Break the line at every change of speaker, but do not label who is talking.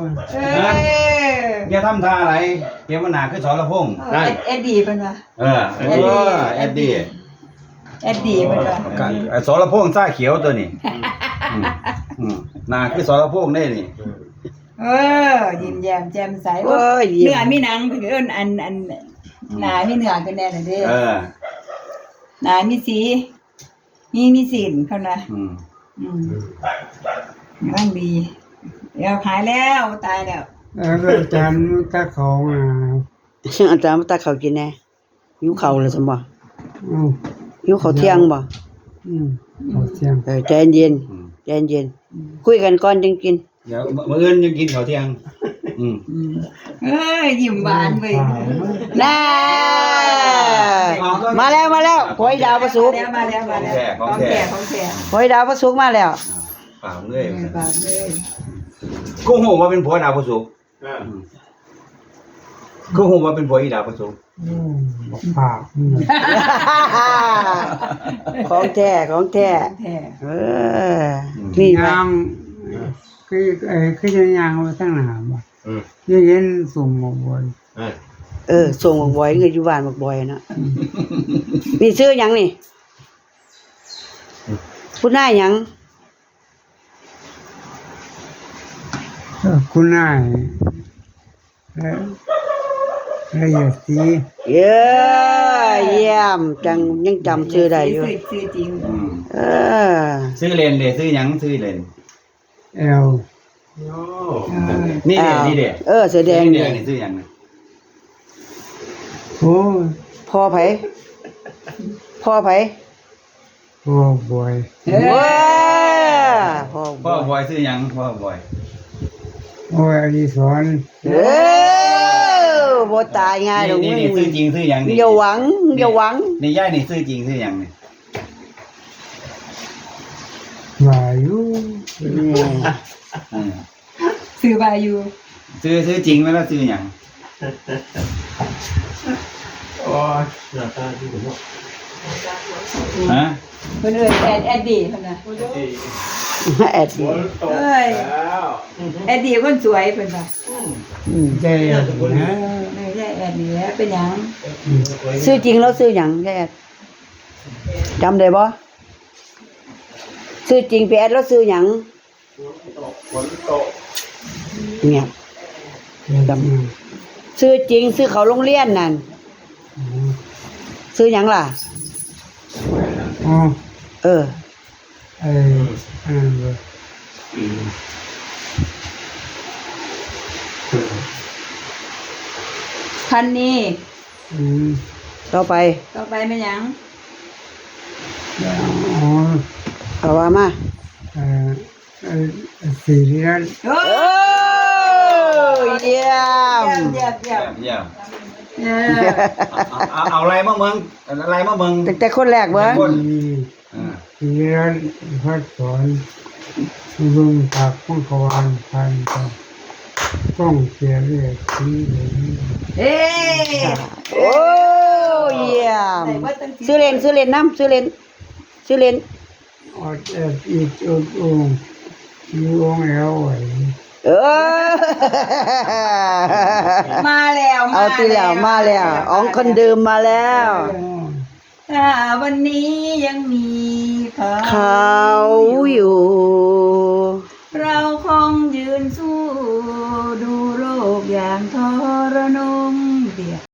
เอย่าทำท่าอะไรเดี๋ยวมันหนาคือสรพงษ์
เอ็ดดี้เป็นวะ
เอ็ดดี้
เป็นวะ
สรพงษ์ซ่าเขียวตัวนี้หนาคือสรพงษ์ได้นี่
ยิ้มแย้มแจ่มใสเนื้อมีหนังเพื่อนอันหนามีเนื้อกันแน่เลยเด้หนามีสีมีสีเขานะร่างดีเดี๋ยวขายแล้วตายแล้ว
อาจารย์ตาเขา
อาจารย์มาตาเขากินแน่หิวเข่าเลยสมบ่หิวเขาเที่ยงบ่
เขาเที่ยง
ใจเย็นใจเย็นคุยกันก่อนจึงกิน
เดี๋ยวมื้ออื่นยังกินข้าวเที่ยง
ยิ้มหวานเว้ย
น่ามาแล้วหอยดาวประสุก
มาแล้วของแท้
หอยดาวประสุกมาแล้ว
เปล่าเลยกูหูว่าเป็นผัวดาวประสุกกูหูว่าเป็นผัวอีดาวประสุก
ปาก
ของแท้นี่
ยางคือจะยางมาตั้งนานบ่เย็นส่งมาบ่อย
ส่งบักบ่อยเงินอยู่บ้านบักบ่อยนะนี่ชื่อหยังนี่พูดหน้าหยัง
คุณนายละเอียดสี
เยี่ยมจังยังจำชื่อได้อยู่
ชื่อจริง
ชื่อเล่นเด้ชื่อหยังชื่อเล่นนี่เด้
เสื้อแดง
นี่ชื่อหยัง
โอ้
พ่อไผ
พ่อบ่อย
พ่อบ่อยชื่อหยังพ่อบ่อย
อดิศร
บ่ตายง่ายดอก
นี่ชื่อจริงชื่อหยัง
อย่าหวัง
นี่ย่านี่ชื่อจริงชื่อหยังนี่
วายุ
ซื้อบายู
ซื้อจริงไหมล่ะซื้อหยังฮะ
เพิ่นแอดดี้เพิ่นน่ะ
แอดดี้
แอดดี้คนสวยเพิ่นว่า
ใช่นะ
ไม่ใช่แอดดี้แล้วเป็นหยัง
ชื่อจริงแล้วชื่อหยังแอดจำได้บ่ชื่อจริงพี่แอดแล้วชื่อหยังเนี่ยชื่อจริงชื่อเขาโรงเรียนนั่นชื่อหยังล่ะ
พันนี้
ต่อไป
เป็นหยัง
เอาว่ามา
สีเรียน
เยี่ยม
เอาอะไรมาเมือง
แต่คนแรกเบิ่ง
สีเรียนพัดสอนลุงตักมังกรพันต้องเสียเรียกสีเหลือง
เยี่ยมซื้อเล่นน้ำซื้อเล่น
อดอีกองมีองแอลไว้
มาแล้ว
เอาทีแล้วมาแล้วองคนเดิมมาแล้ว
วันนี้ยังมี
เขาอยู่
เราคงยืนสู้ดูโลกอย่างทรนงเดียว